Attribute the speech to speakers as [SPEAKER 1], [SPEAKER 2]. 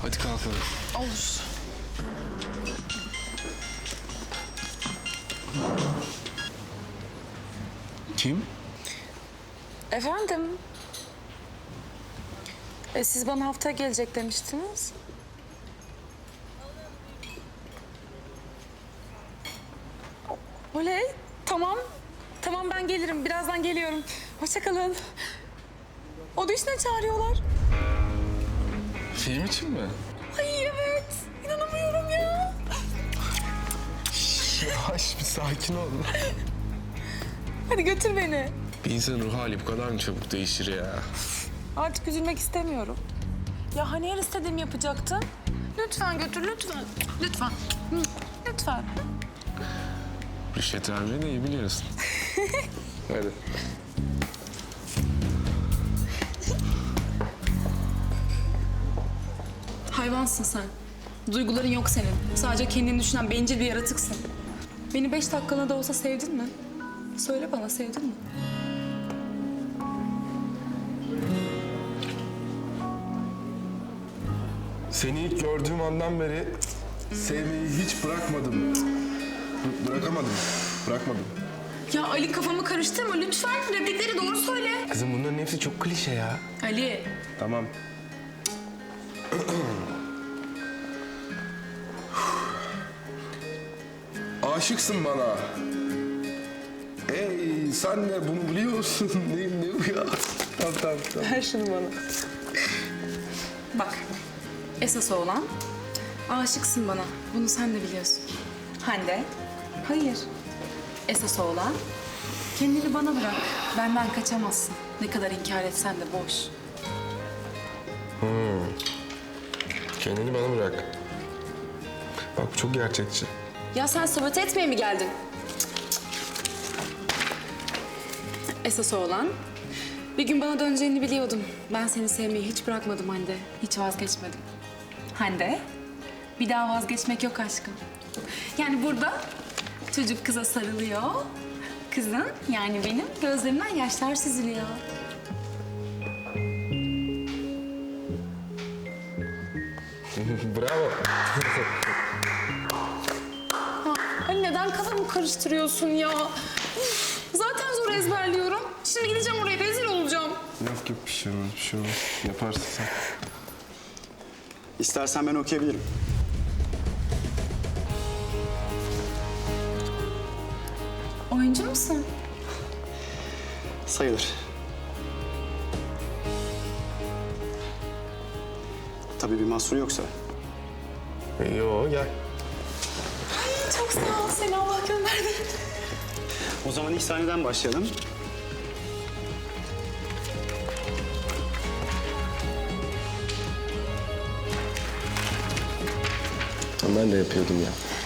[SPEAKER 1] Hadi kalkalım.
[SPEAKER 2] Olur.
[SPEAKER 1] Kim?
[SPEAKER 2] Efendim? Siz bana haftaya gelecek demiştiniz. Oley, tamam. Tamam ben gelirim, birazdan geliyorum. Hoşça kalın. Audition'a çağırıyorlar.
[SPEAKER 1] Film için mi?
[SPEAKER 2] Ay evet, inanamıyorum ya.
[SPEAKER 1] Yavaş bir sakin ol.
[SPEAKER 2] Hadi götür beni.
[SPEAKER 1] Bir insanın ruh hali bu kadar mı çabuk değişir ya?
[SPEAKER 2] Artık üzülmek istemiyorum. Ya hani her istediğimi yapacaktın? Lütfen götür, lütfen. Lütfen. Hı, lütfen.
[SPEAKER 1] Rüşvet vermeyi de iyi biliyorsun. Hadi.
[SPEAKER 2] Hayvansın sen. Duyguların yok senin. Sadece kendini düşünen bencil bir yaratıksın. Beni 5 dakikalığına da olsa sevdin mi? Söyle bana, sevdin mi?
[SPEAKER 3] Seni ilk gördüğüm andan beri sevmeyi hiç bırakmadım. Bırakamadım. Bırakmadım.
[SPEAKER 2] Ya Ali kafamı karıştırma lütfen. Replikleri doğru söyle.
[SPEAKER 3] Kızım bunların hepsi çok klişe ya.
[SPEAKER 2] Ali.
[SPEAKER 3] Tamam. Aşıksın bana. Ey sen de bunu biliyorsun. Ne bu ya? Tamam.
[SPEAKER 2] Ver şunu bana. Bak. Esas olan aşıksın bana. Bunu sen de biliyorsun. Hande. Hayır. Esas olan kendini bana bırak. Benden kaçamazsın. Ne kadar inkar etsen de boş.
[SPEAKER 3] Kendini bana bırak. Bak bu çok gerçekçi.
[SPEAKER 2] Ya sen sabote etmeye mi geldin? Esas olan bir gün bana döneceğini biliyordum. Ben seni sevmeyi hiç bırakmadım Hande. Hiç vazgeçmedim. Hande, bir daha vazgeçmek yok aşkım. Yani burada çocuk kıza sarılıyor. Kızın yani benim gözlerimden yaşlar süzülüyor.
[SPEAKER 3] Bravo.
[SPEAKER 2] Hani neden kafamı karıştırıyorsun ya? Üf, zaten zor ezberliyorum. Şimdi gideceğim oraya rezil olacağım.
[SPEAKER 3] Yok bir şey olmaz. Yaparsın sen.
[SPEAKER 4] İstersen ben okuyabilirim.
[SPEAKER 2] Oyuncu musun?
[SPEAKER 4] Sayılır. Tabii bir mahsur yoksa.
[SPEAKER 3] Yo gel.
[SPEAKER 2] Çok sağ ol. Seni Allah gönderdi.
[SPEAKER 4] O zaman ilk sahneden başlayalım.
[SPEAKER 3] Ben de yapıyordum ya.